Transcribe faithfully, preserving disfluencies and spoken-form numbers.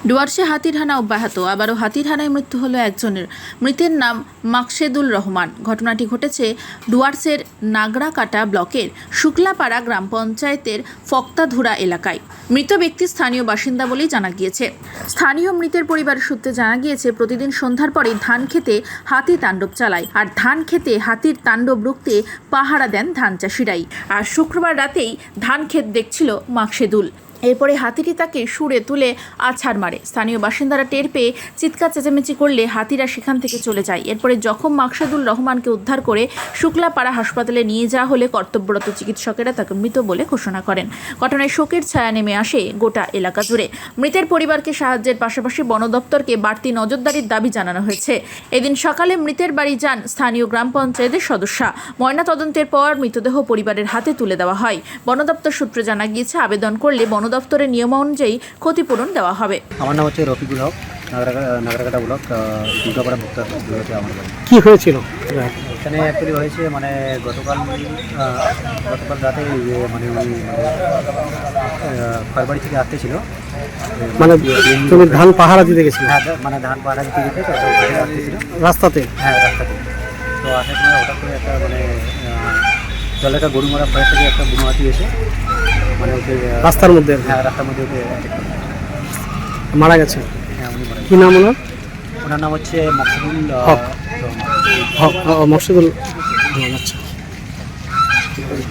ডুয়ার্সে হাতির হানা অব্যাহত, আবারও হাতির হানায় মৃত্যু হলো একজনের। মৃতের নাম মাকসেদুল রহমান। ঘটনাটি ঘটেছে ডুয়ার্সের নাগরাকাটা ব্লকের শুক্লাপাড়া গ্রাম পঞ্চায়েতের ফক্তাধুরা এলাকায়। মৃত ব্যক্তি স্থানীয় বাসিন্দা বলেই জানা গিয়েছে। স্থানীয় মৃতের পরিবারের সূত্রে জানা গিয়েছে, প্রতিদিন সন্ধ্যার পরে ধান খেতে হাতি তাণ্ডব চালায়, আর ধান খেতে হাতির তাণ্ডব রুখতে পাহারা দেন ধান চাষিরাই। আর শুক্রবার রাতেই ধান ক্ষেত দেখছিল মাকসেদুল। এরপরে হাতিটি তাকে সুরে তুলে আছাড় মারে। স্থানীয় বাসিন্দারা টের পেয়ে চিৎকার চেঁচামেচি করলে হাতিরা সেখান থেকে চলে যায়। এরপরে জখম মাকসেদুল রহমানকে উদ্ধার করে শুক্লাপাড়া হাসপাতালে নিয়ে যাওয়া হলে কর্তব্যরত চিকিৎসকেরা তাকে মৃত বলে ঘোষণা করেন। ঘটনায় শোকের ছায়া নেমে আসে গোটা এলাকা জুড়ে। মৃতের পরিবারকে সাহায্যের পাশাপাশি বন দপ্তরকে বাড়তি নজরদারির দাবি জানানো হয়েছে। এদিন সকালে মৃতের বাড়ি যান স্থানীয় গ্রাম পঞ্চায়েতের সদস্যা। ময়নাতদন্তের পর মৃতদেহ পরিবারের হাতে তুলে দেওয়া হয়। বন দপ্তর সূত্রে জানা গিয়েছে, আবেদন করলে বন দপ্তরের নিয়ম অনুযায়ী ক্ষতিপূরণ দেওয়া হবে। আমার নাম হচ্ছে রফিকুল হক, নাগরাকাটা ব্লক, দুর্গাপাড়া ভুক্তা হয়েছে আমার বাড়ি। কী হয়েছিল এখানে অ্যাকচুয়ালি হয়েছে মানে গতকাল গতকাল রাতে মানে উনি খড়বাড়ি থেকে আসতেছিল, মানে তুমি ধান পাহারা দিতে গেছিলে? হ্যাঁ, মানে ধান পাহারা দিতে যেতে আসতেছিল রাস্তাতে? হ্যাঁ, রাস্তাতে। তো আসার সময় হঠাৎ করে একটা মানে জলে একটা গরু মারা ফয়ের থেকে একটা বুনো হাতি এসে মানে ওকে রাস্তার মধ্যে? হ্যাঁ, রাস্তার মধ্যে ওকে মারা গেছে। হ্যাঁ, উনি মারা কী নাম ওনার? ওনার নাম হচ্ছে মকসুদুল হক। হক মকসুদুল। আচ্ছা।